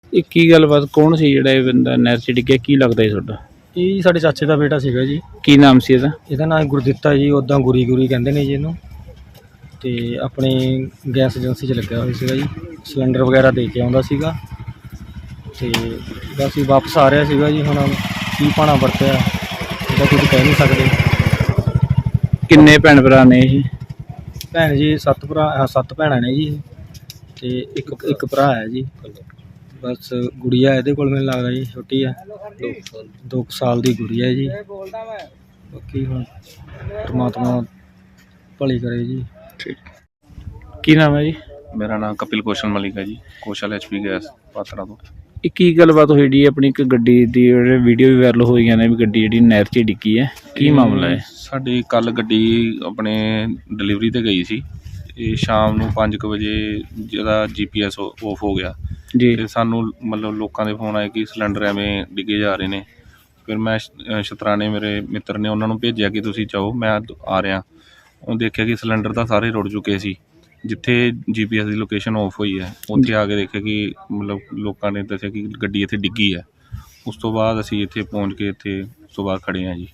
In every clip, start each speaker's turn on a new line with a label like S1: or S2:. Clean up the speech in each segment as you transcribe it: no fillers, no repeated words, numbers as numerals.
S1: ਇਹ ਕੀ ਗੱਲਬਾਤ ਕੌਣ ਸੀ ਜਿਹੜਾ ਇਹ ਬੰਦਾ ਨਹਿਰ 'ਚ ਡਿੱਗਿਆ, ਕੀ ਲੱਗਦਾ ਜੀ ਤੁਹਾਡਾ?
S2: ਇਹ ਜੀ ਸਾਡੇ ਚਾਚੇ ਦਾ ਬੇਟਾ ਸੀਗਾ ਜੀ।
S1: ਕੀ ਨਾਮ ਸੀ ਇਹਦਾ?
S2: ਇਹਦਾ ਨਾਮ ਗੁਰਦਿੱਤਾ ਜੀ, ਉੱਦਾਂ ਗੁਰੀ ਗੁਰੀ ਕਹਿੰਦੇ ਨੇ ਜੀ ਇਹਨੂੰ। ਤੇ ਆਪਣੀ ਗੈਸ ਏਜੰਸੀ 'ਚ ਲੱਗਿਆ ਹੋਇਆ ਸੀਗਾ ਜੀ, ਸਿਲੰਡਰ ਵਗੈਰਾ ਦੇ ਕੇ ਆਉਂਦਾ ਸੀਗਾ ਤੇ ਬਸ ਹੀ ਵਾਪਸ ਆ ਰਿਹਾ ਸੀਗਾ ਜੀ। ਹੁਣ ਕੀ ਪਾਣਾ ਵਰਤਿਆ ਇਹਦਾ ਕੁਝ ਕਹਿ ਨਹੀਂ ਸਕਦੇ।
S1: ਕਿੰਨੇ ਭੈਣ ਭਰਾ ਨੇ ਇਹ?
S2: ਭੈਣ ਜੀ 7 ਭੈਣਾਂ ਨੇ ਜੀ ਤੇ ਇੱਕ ਭਰਾ ਹੈ ਜੀ। ਬਸ ਗੁੜੀਆ ਇਹਦੇ ਕੋਲ ਮੈਨੂੰ ਲੱਗਦਾ ਜੀ ਛੋਟੀ ਆ, 2 ਸਾਲ ਦੀ ਗੁੜੀਆ ਹੈ ਜੀ। ਬਾਕੀ ਹੁਣ ਪਰਮਾਤਮਾ ਭਲੀ ਕਰੇ ਜੀ।
S1: ਠੀਕ। ਕੀ ਨਾਮ ਹੈ ਜੀ?
S3: ਮੇਰਾ ਨਾਮ ਕਪਿਲ ਕੌਸ਼ਲ ਮਲਿਕ ਹੈ ਜੀ, ਕੌਸ਼ਲ HP ਗੈਸ ਪਾਤੜਾ ਤੋਂ।
S1: ਇਹ ਕੀ ਗੱਲਬਾਤ ਹੋਈ ਜੀ? ਆਪਣੀ ਇੱਕ ਗੱਡੀ ਦੀ ਵੀਡੀਓ ਵੀ ਵਾਇਰਲ ਹੋਈਆਂ ਨੇ ਵੀ ਗੱਡੀ ਜਿਹੜੀ ਨਹਿਰ 'ਚ ਡਿੱਗੀ ਹੈ, ਕੀ ਮਾਮਲਾ ਹੈ?
S3: ਸਾਡੀ ਕੱਲ ਗੱਡੀ ਆਪਣੇ ਡਿਲੀਵਰੀ ਤੇ ਗਈ ਸੀ। ਇਹ ਸ਼ਾਮ ਨੂੰ 5 ਵਜੇ ਜਿਹਦਾ GPS ਆਫ ਹੋ ਗਿਆ
S1: ਜੀ।
S3: ਤੇ ਸਾਨੂੰ ਮਤਲਬ ਲੋਕਾਂ ਦੇ ਫੋਨ ਆਏ ਕਿ ਸਿਲੰਡਰ ਐਵੇਂ ਡਿੱਗੇ ਜਾ ਰਹੇ ਨੇ। ਫਿਰ ਮੈਂ ਸ਼ਤਰਾਣੇ ਮੇਰੇ ਮਿੱਤਰ ਨੇ ਉਹਨਾਂ ਨੂੰ ਭੇਜਿਆ ਕਿ ਤੁਸੀਂ ਜਾਓ, ਮੈਂ ਆ ਰਿਹਾ। ਉਹ ਦੇਖਿਆ ਕਿ ਸਿਲੰਡਰ ਤਾਂ ਸਾਰੇ ਰੁੜ ਚੁੱਕੇ ਸੀ। ਜਿੱਥੇ GPS ਦੀ ਲੋਕੇਸ਼ਨ ਆਫ ਹੋਈ ਹੈ ਉੱਥੇ ਆ ਕੇ ਦੇਖਿਆ ਕਿ ਮਤਲਬ ਲੋਕਾਂ ਨੇ ਦੱਸਿਆ ਕਿ ਗੱਡੀ ਇੱਥੇ ਡਿੱਗੀ ਹੈ। ਉਸ ਤੋਂ ਬਾਅਦ ਅਸੀਂ ਇੱਥੇ ਪਹੁੰਚ ਕੇ ਇੱਥੇ ਉਸ ਤੋਂ ਬਾਅਦ ਖੜ੍ਹੇ ਹਾਂ ਜੀ।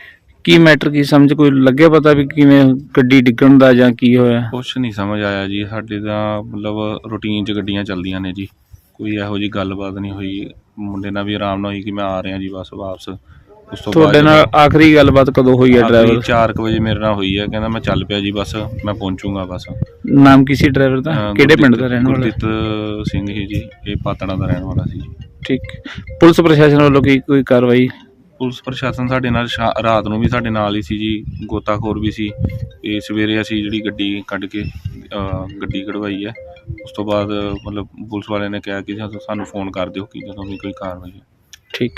S1: ਕੀ ਮੈਟਰ ਕੀ ਸਮਝ ਕੋਈ ਲੱਗਿਆ ਪਤਾ ਵੀ ਕਿਵੇਂ ਗੱਡੀ ਡਿੱਗਣ ਦਾ ਜਾਂ ਕੀ ਹੋਇਆ?
S3: ਕੁਛ ਨਹੀਂ ਸਮਝ ਆਇਆ ਜੀ। ਸਾਡੇ ਤਾਂ ਮਤਲਬ ਰੂਟੀਨ 'ਚ ਗੱਡੀਆਂ ਚੱਲਦੀਆਂ ਨੇ ਜੀ, ਕੋਈ ਇਹੋ ਜਿਹੀ ਗੱਲਬਾਤ ਨਹੀਂ ਹੋਈ। ਮੁੰਡੇ ਨਾਲ ਵੀ ਆਰਾਮ ਨਾਲ ਹੋਈ ਕਿ ਮੈਂ ਆ ਰਿਹਾ ਜੀ ਬਸ ਵਾਪਸ। ਉਸ ਤੋਂ
S1: ਤੁਹਾਡੇ ਨਾਲ ਆਖਰੀ ਗੱਲਬਾਤ ਕਦੋਂ ਹੋਈ ਹੈ? ਡਰਾਈਵਰ
S3: 4 ਵਜੇ ਮੇਰੇ ਨਾਲ ਹੋਈ ਹੈ, ਕਹਿੰਦਾ ਮੈਂ ਚੱਲ ਪਿਆ ਜੀ ਬਸ, ਮੈਂ ਪਹੁੰਚੂਗਾ ਬਸ।
S1: ਨਾਮ ਕੀ ਸੀ ਡਰਾਈਵਰ ਦਾ? ਕਿਹੜੇ ਪਿੰਡ ਦਾ ਰਹਿਣ ਵਾਲਾ?
S3: ਗੁਰਦੀਪ ਸਿੰਘ ਹੀ ਜੀ, ਇਹ ਪਾਤੜਾ ਦਾ ਰਹਿਣ ਵਾਲਾ ਸੀ ਜੀ।
S1: ਠੀਕ। ਪੁਲਿਸ ਪ੍ਰਸ਼ਾਸਨ ਵੱਲੋਂ ਕੀ ਕੋਈ ਕਾਰਵਾਈ?
S3: ਪੁਲਿਸ ਪ੍ਰਸ਼ਾਸਨ ਸਾਡੇ ਨਾਲ ਰਾਤ ਨੂੰ ਵੀ ਸਾਡੇ ਨਾਲ ਹੀ ਸੀ ਜੀ, ਗੋਤਾਖੋਰ ਵੀ ਸੀ। ਤੇ ਸਵੇਰੇ ਅਸੀਂ ਜਿਹੜੀ ਗੱਡੀ ਕੱਢ ਕੇ ਗੱਡੀ ਕਢਵਾਈ ਹੈ। ਉਸ ਤੋਂ ਬਾਅਦ ਮਤਲਬ ਪੁਲਿਸ ਵਾਲਿਆਂ ਨੇ ਕਿਹਾ ਕਿ ਸਾਨੂੰ ਫੋਨ ਕਰ ਦਿਓ ਕਿ ਜਦੋਂ ਵੀ ਕੋਈ ਕਾਰਵਾਈ ਹੈ।
S1: ਠੀਕ।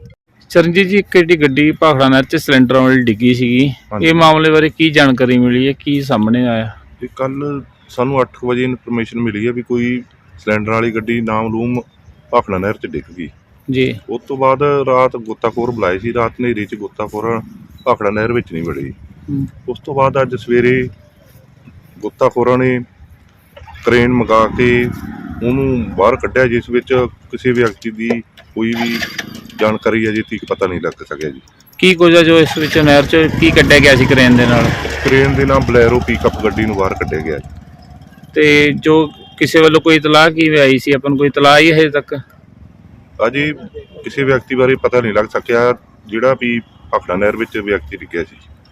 S1: ਚਰਨਜੀਤ ਜੀ, ਇੱਕ ਜਿਹੜੀ ਗੱਡੀ ਭਾਖੜਾ ਨਹਿਰ 'ਚ ਸਿਲੰਡਰਾਂ ਵਾਲੀ ਡਿੱਗੀ ਸੀਗੀ, ਇਹ ਮਾਮਲੇ ਬਾਰੇ ਕੀ ਜਾਣਕਾਰੀ ਮਿਲੀ ਹੈ, ਕੀ ਸਾਹਮਣੇ ਆਇਆ?
S4: ਇਹ ਕੱਲ੍ਹ ਸਾਨੂੰ 8 ਵਜੇ ਇਨਫੋਰਮੇਸ਼ਨ ਮਿਲੀ ਹੈ ਵੀ ਕੋਈ ਸਿਲੰਡਰ ਵਾਲੀ ਗੱਡੀ ਨਾਮਲੂਮ ਭਾਖੜਾ ਨਹਿਰ 'ਚ ਡਿੱਗ ਗਈ
S1: ਜੀ।
S4: ਉਸ ਤੋਂ ਬਾਅਦ ਰਾਤ ਗੋਤਾਖੋਰ ਬੁਲਾਏ ਸੀ, ਰਾਤ ਹਨੇਰੀ 'ਚ ਗੋਤਾਖੋਰ ਭਾਖੜਾ ਨਹਿਰ ਵਿੱਚ ਨਹੀਂ ਵੜੇ। ਉਸ ਤੋਂ ਬਾਅਦ ਅੱਜ ਸਵੇਰੇ ਗੋਤਾਖੋਰਾਂ ਨੇ ਕਰੇਨ ਮੰਗਾ ਕੇ ਉਹਨੂੰ ਬਾਹਰ ਕੱਢਿਆ, ਜਿਸ ਵਿੱਚ ਕਿਸੇ ਵਿਅਕਤੀ ਦੀ ਕੋਈ ਵੀ ਜਾਣਕਾਰੀ ਅਜੇ ਤੱਕ ਪਤਾ ਨਹੀਂ ਲੱਗ ਸਕਿਆ ਜੀ।
S1: ਕੀ ਕੁਝ ਹੈ ਜੋ ਇਸ ਵਿੱਚ ਨਹਿਰ 'ਚ ਕੀ ਕੱਢਿਆ ਗਿਆ ਸੀ ਕਰੇਨ ਦੇ ਨਾਲ?
S4: ਕਰੇਨ ਦੇ ਨਾਲ ਬਲੈਰੋ ਪਿਕਅਪ ਗੱਡੀ ਨੂੰ ਬਾਹਰ ਕੱਢਿਆ ਗਿਆ ਜੀ।
S1: ਤੇ ਜੋ ਕਿਸੇ ਵੱਲੋਂ ਕੋਈ ਇਤਲਾਹ ਕੀ ਆਈ ਸੀ, ਆਪਾਂ ਨੂੰ ਕੋਈ ਇਤਲਾਹ ਹੀ ਹਜੇ ਤੱਕ?
S4: ਅਜੇ ਕਿਸੇ ਵਿਅਕਤੀ ਬਾਰੇ ਪਤਾ ਨਹੀਂ ਲੱਗ ਸਕਿਆ ਜਿਹੜਾ ਵੀ ਭਾਖੜਾ ਨਹਿਰ ਵਿੱਚ ਵਿਅਕਤੀ ਡਿੱਗਿਆ ਸੀ।